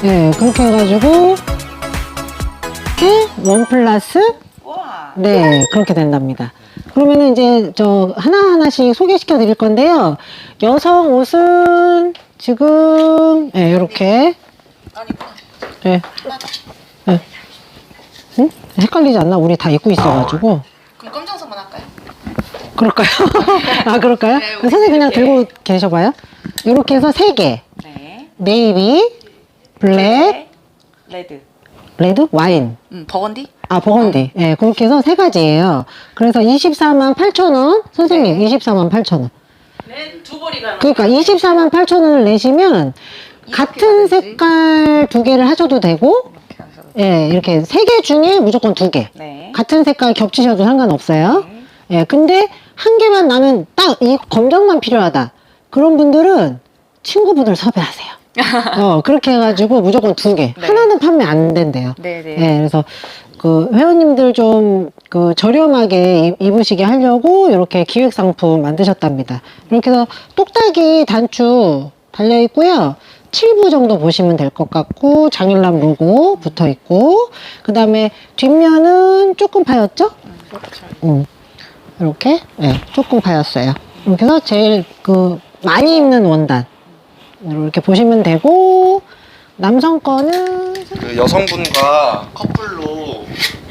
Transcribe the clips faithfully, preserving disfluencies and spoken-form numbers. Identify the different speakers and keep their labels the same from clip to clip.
Speaker 1: 네, 그렇게 해가지고 네, 원 플러스 네, 그렇게 된답니다. 그러면은 이제 저 하나하나씩 소개시켜 드릴 건데요. 여성 옷은 지금 네, 이렇게 네. 네. 응? 헷갈리지 않나? 우리 다 입고 있어가지고.
Speaker 2: 그럼 검정색만 할까요?
Speaker 1: 그럴까요? 아, 그럴까요?
Speaker 2: 네,
Speaker 1: 선생님 그냥
Speaker 2: 이렇게.
Speaker 1: 들고 계셔봐요. 이렇게 해서 세 개.
Speaker 2: 네.
Speaker 1: 네이비, 블랙,
Speaker 2: 레드.
Speaker 1: 레드, 와인.
Speaker 2: 음, 버건디?
Speaker 1: 아, 버건디. 예, 네, 그렇게 해서 세 가지예요. 그래서 이십사만 팔천 원. 선생님,
Speaker 2: 네.
Speaker 1: 이십사만 팔천 원.
Speaker 2: 네, 두 벌이가.
Speaker 1: 그러니까 이십사만 팔천 원을 내시면 같은
Speaker 2: 가야지.
Speaker 1: 색깔 두 개를 하셔도 되고, 예, 네, 이렇게 세 개 중에 무조건 두 개.
Speaker 2: 네.
Speaker 1: 같은 색깔 겹치셔도 상관없어요.
Speaker 2: 네.
Speaker 1: 예, 네, 근데 한 개만 나면 딱 이 검정만 필요하다. 그런 분들은 친구분을 섭외하세요. 어, 그렇게 해가지고 무조건 두 개.
Speaker 2: 네.
Speaker 1: 하나는 판매 안 된대요.
Speaker 2: 네네.
Speaker 1: 예, 네, 그래서 그 회원님들 좀 그 저렴하게 입- 입으시게 하려고 이렇게 기획 상품 만드셨답니다. 이렇게 해서 똑딱이 단추 달려 있고요. 칠 부 정도 보시면 될 것 같고, 장일남 로고 붙어 있고, 그 다음에 뒷면은 조금 파였죠? 음, 이렇게, 네, 조금 파였어요. 이렇게 해서 제일 그 많이 입는 원단 이렇게 보시면 되고, 남성 거는
Speaker 3: 그 여성분과 커플로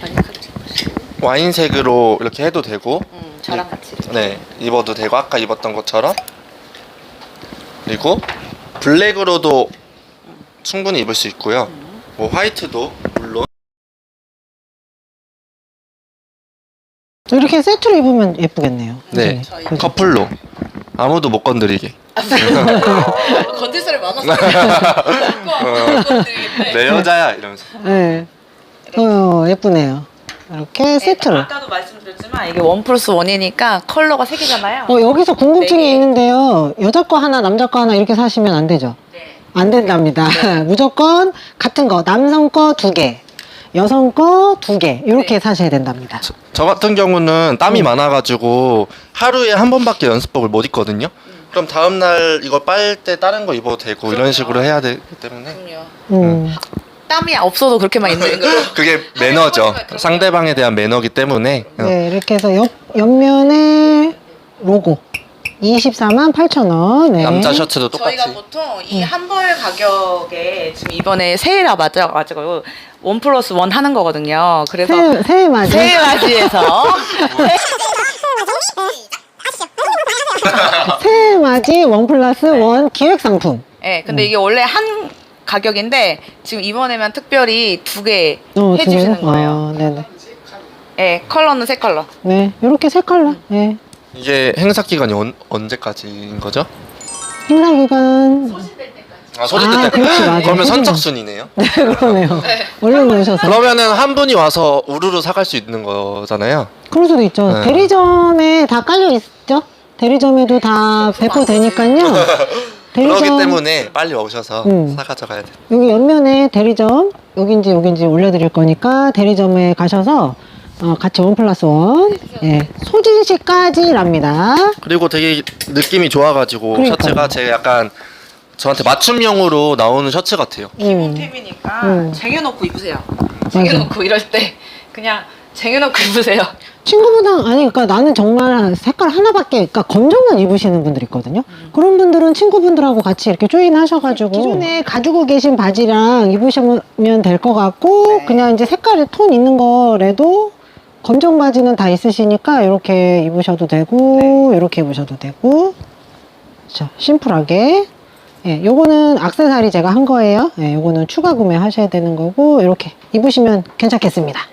Speaker 3: 와인색으로 이렇게 해도 되고,
Speaker 2: 음, 저랑 같이.
Speaker 3: 네, 입어도 되고 아까 입었던 것처럼, 그리고 블랙으로도 충분히 입을 수 있고요. 뭐 화이트도 물론.
Speaker 1: 이렇게 세트로 입으면 예쁘겠네요.
Speaker 3: 네,
Speaker 1: 선생님. 그죠?
Speaker 3: 커플로 아무도 못 건드리게.
Speaker 2: 건들 사람이 많아서. 못 건드리겠네.
Speaker 3: 내 여자야 이러면서.
Speaker 1: 네. 어, 예쁘네요. 이렇게 세트로.
Speaker 2: 아까도 말씀드렸지만 이게 원 플러스 원이니까 컬러가 세 개잖아요.
Speaker 1: 어, 여기서 궁금증이
Speaker 2: 네 개.
Speaker 1: 있는데요. 여자 거 하나, 남자 거 하나 이렇게 사시면 안 되죠?
Speaker 2: 네.
Speaker 1: 안 된답니다. 무조건 같은 거. 남성 거 두 개, 여성 거 두 개. 이렇게
Speaker 2: 네.
Speaker 1: 사셔야 된답니다.
Speaker 3: 저, 저 같은 경우는 땀이
Speaker 1: 음.
Speaker 3: 많아가지고 하루에 한 번밖에 연습복을 못 입거든요. 그럼 다음날 이거 빨 때 다른 거 입어도 되고 이런 식으로 해야 되기 때문에
Speaker 2: 그럼요.
Speaker 1: 음.
Speaker 2: 땀이 없어도 그렇게만 있는 걸로.
Speaker 3: 그게 매너죠. 상대방에 대한 매너기 때문에.
Speaker 1: 네, 이렇게 해서 옆, 옆면에 로고. 이십사만 팔천 원. 네.
Speaker 3: 남자 셔츠도 똑같이.
Speaker 2: 저희가 보통 이 한 벌 가격에 지금 이번에 세일아 맞아가지고 원 플러스 원 하는 거거든요. 그래서
Speaker 1: 새, 새해 맞이.
Speaker 2: 세일 맞이에서
Speaker 1: 새해 맞이 원 플러스 원 기획 상품.
Speaker 2: 네, 근데 이게 원래 한 가격인데 지금 이번에만 특별히 두 개
Speaker 1: 어, 두
Speaker 2: 해주시는
Speaker 1: 개요?
Speaker 2: 거예요.
Speaker 1: 아, 네네.
Speaker 2: 네, 컬러는 세 컬러.
Speaker 1: 네, 이렇게 세 컬러. 네.
Speaker 3: 이게 행사 기간이 언, 언제까지인 거죠?
Speaker 1: 행사 기간.
Speaker 3: 아, 소집
Speaker 1: 아,
Speaker 3: 때.
Speaker 1: 그렇지, 맞아.
Speaker 3: 그러면
Speaker 1: 소집은.
Speaker 3: 선착순이네요.
Speaker 1: 네, 그러네요. 얼른 오셔서.
Speaker 3: 그러면은 한 분이 와서 우르르 사갈 수 있는 거잖아요.
Speaker 1: 그럴 수도 있죠.
Speaker 3: 네.
Speaker 1: 대리점에 다 깔려 있죠? 대리점에도 다 배포되니까요.
Speaker 3: 그러기 때문에 빨리 오셔서
Speaker 1: 음.
Speaker 3: 사 가져가야 돼요.
Speaker 1: 여기 옆면에 대리점, 여긴지 여긴지 올려드릴 거니까 대리점에 가셔서 어, 같이 원 플러스 원. 예, 소진시까지랍니다.
Speaker 3: 그리고 되게 느낌이 좋아가지고
Speaker 1: 그러니까요.
Speaker 3: 셔츠가 제 약간 저한테 맞춤형으로 나오는 셔츠 같아요.
Speaker 1: 음.
Speaker 2: 템이니까
Speaker 1: 음.
Speaker 2: 쟁여놓고 입으세요.
Speaker 1: 맞아.
Speaker 2: 쟁여놓고 이럴 때 그냥 쟁여놓고 입으세요.
Speaker 1: 친구분랑 아니 그러니까 나는 정말 색깔 하나밖에 그러니까 검정만 입으시는 분들 있거든요. 그런 분들은 친구분들하고 같이 이렇게 조인 하셔가지고 기존에 가지고 계신 바지랑 입으시면 될 것 같고
Speaker 2: 네.
Speaker 1: 그냥 이제 색깔이 톤 있는 거라도 검정 바지는 다 있으시니까 이렇게 입으셔도 되고 이렇게 입으셔도 되고 자 심플하게 예, 요거는 액세서리 제가 한 거예요. 예, 요거는 추가 구매 하셔야 되는 거고 이렇게 입으시면 괜찮겠습니다.